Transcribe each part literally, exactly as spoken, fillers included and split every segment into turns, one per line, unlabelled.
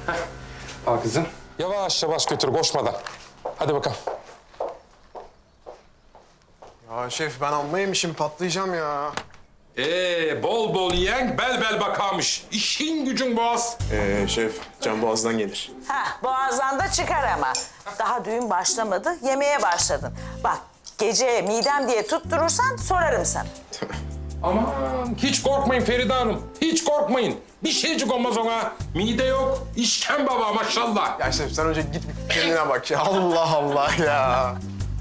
Al kızım. Yavaş yavaş götür, koşmadan. Hadi bakalım.
Ya şef ben amma yemişim, patlayacağım ya.
Ee, bol bol yiyen bel bel bakarmış. İşin gücün boğaz.
Ee şef, can boğazdan gelir.
Ha, boğazdan da çıkar ama. Daha düğün başlamadı, yemeğe başladın. Bak, gece midem diye tutturursan sorarım sana.
Aman hiç korkmayın Feride Hanım. Hiç korkmayın. Bir şeycik olmaz ona. Mide yok. İşken baba maşallah.
Ya şef sen önce git bir kendine bak ya. Allah Allah ya.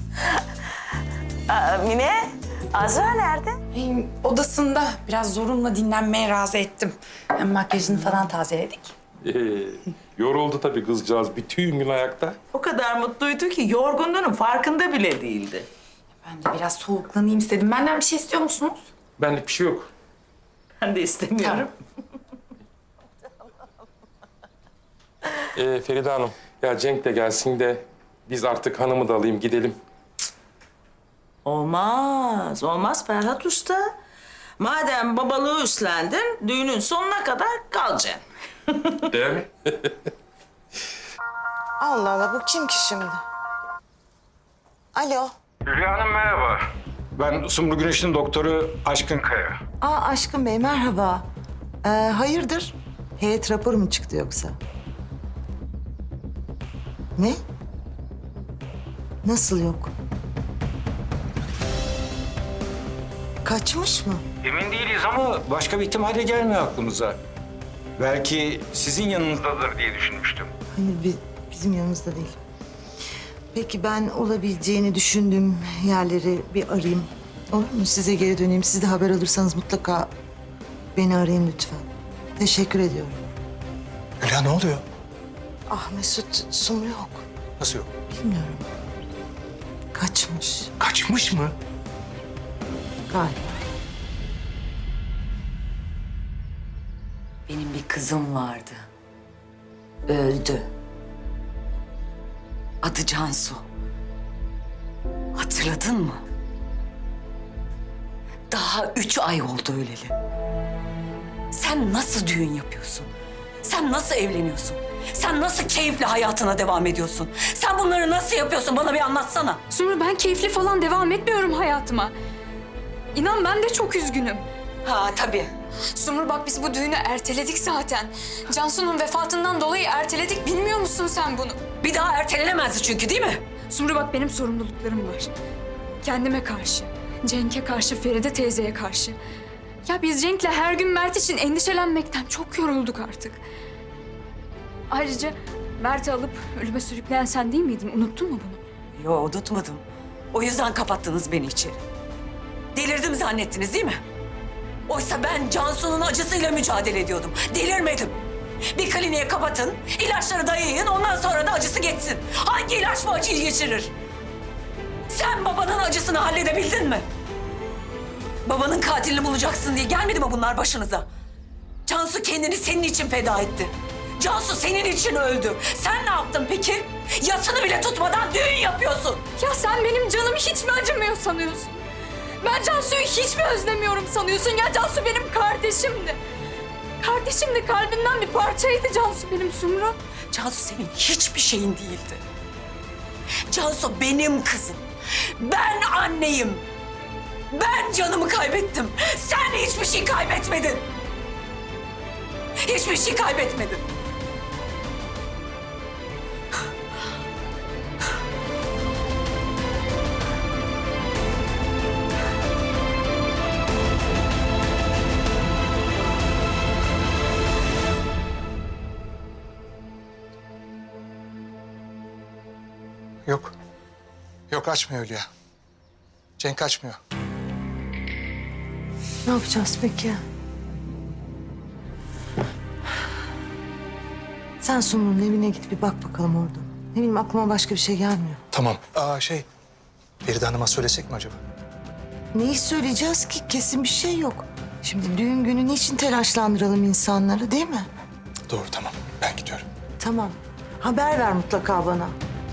Aa, Mine, Azra nerede?
Benim odasında biraz zorunla dinlenmeye razı ettim. Hem makyajını falan tazeledik.
Ee, yoruldu tabii kızcağız. Bütün gün ayakta.
O kadar mutluydu ki yorgunluğunun farkında bile değildi.
Ben de biraz soğuklanayım istedim. Benden bir şey istiyor musunuz?
Benlik bir şey yok.
Ben de istemiyorum.
Ee, Feride Hanım, ya Cenk de gelsin de biz artık hanımı da alayım gidelim.
Olmaz, olmaz Ferhat Usta. Madem babalığı üstlendin, düğünün sonuna kadar kalacaksın.
Değil mi?
Allah Allah, bu kim ki şimdi? Alo.
Hülya Hanım merhaba. Ben Sumru Güneş'in doktoru Aşkın Kaya.
Aa Aşkın Bey, merhaba. Ee, hayırdır? Heyet raporu mu çıktı yoksa? Ne? Nasıl yok? Kaçmış mı?
Emin değiliz ama başka bir ihtimal de gelmiyor aklımıza. Belki sizin yanınızdadır diye düşünmüştüm.
Hayır, bi- bizim yanımızda değil. Peki ben olabileceğini düşündüğüm yerleri bir arayayım. Olur mu? Size geri döneyim. Siz de haber alırsanız mutlaka beni arayın lütfen. Teşekkür ediyorum.
Hülya ne oluyor?
Ah Mesut, Sumru yok.
Nasıl yok?
Bilmiyorum. Kaçmış
Kaçmış mı?
galiba.
Benim bir kızım vardı. Öldü. Adı Cansu. Hatırladın mı? Daha üç ay oldu öleli. Sen nasıl düğün yapıyorsun? Sen nasıl evleniyorsun? Sen nasıl keyifli hayatına devam ediyorsun? Sen bunları nasıl yapıyorsun? Bana bir anlatsana.
Sumru, ben keyifli falan devam etmiyorum hayatıma. İnan ben de çok üzgünüm.
Ha tabii.
Sumru bak, biz bu düğünü erteledik zaten. Cansu'nun vefatından dolayı erteledik. Bilmiyor musun sen bunu?
Bir daha ertelenemezdi çünkü değil mi?
Sumru bak, benim sorumluluklarım var. Kendime karşı, Cenk'e karşı, Feride teyzeye karşı. Ya biz Cenk'le her gün Mert için endişelenmekten çok yorulduk artık. Ayrıca Mert'i alıp ölüme sürükleyen sen değil miydin? Unuttun mu bunu?
Yo, unutmadım. O yüzden kapattınız beni içeri. Delirdim zannettiniz değil mi? Oysa ben Cansu'nun acısıyla mücadele ediyordum. Delirmedim. Bir kliniğe kapatın, ilaçları dayayın, ondan sonra da acısı geçsin. Hangi ilaç bu acıyı geçirir? Sen babanın acısını halledebildin mi? Babanın katilini bulacaksın diye gelmedi mi bunlar başınıza? Cansu kendini senin için feda etti. Cansu senin için öldü. Sen ne yaptın peki? Yasını bile tutmadan düğün yapıyorsun.
Ya sen benim canım hiç mi acımıyor sanıyorsun? Ben Cansu'yu hiç mi özlemiyorum sanıyorsun? Ya Cansu benim kardeşimdi. Kardeşimdi, kalbimden bir parçaydı Cansu benim, Sumru.
Cansu senin hiçbir şeyin değildi. Cansu benim kızım. Ben anneyim. Ben canımı kaybettim. Sen hiçbir şey kaybetmedin. Hiçbir şey kaybetmedin.
Yok. Yok açmıyor Hülya. Cenk açmıyor.
Ne yapacağız peki? Sen Sumru'nun evine git bir bak bakalım orada. Ne bileyim, aklıma başka bir şey gelmiyor.
Tamam. Aa şey, Feride Hanım'a söylesek mi acaba?
Neyi söyleyeceğiz ki? Kesin bir şey yok. Şimdi düğün günü niçin telaşlandıralım insanları, değil mi?
Doğru, tamam. Ben gidiyorum.
Tamam. Haber ver mutlaka bana.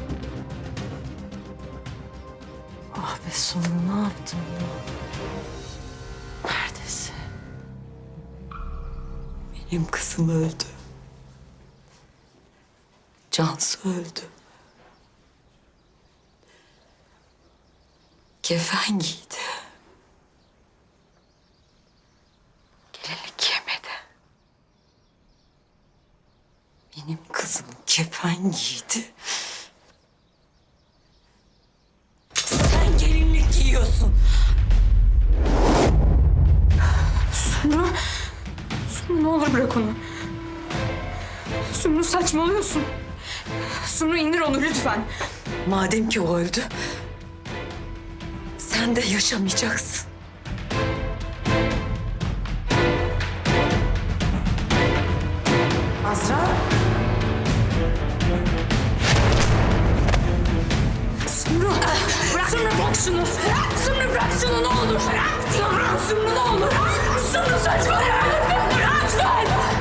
Ah be Sumru, ne yaptın ya? Neredesin?
Benim kızım öldü. Cansu öldü. Kefen giydi. Gelinlik giymedi. Benim kızım kefen giydi. Sen gelinlik giyiyorsun.
Sumru. Sumru ne olur bırak onu. Sumru saçmalıyorsun. Sumru indir onu lütfen.
Madem ki o öldü, sen de yaşamayacaksın.
Azra.
Sumru bırak. Sumru bırak şunu. Bırak. Sumru bırak şunu ne olur. Bırak diyorum. Sumru ne olur. Sumru saçmalama. Bırak lütfen.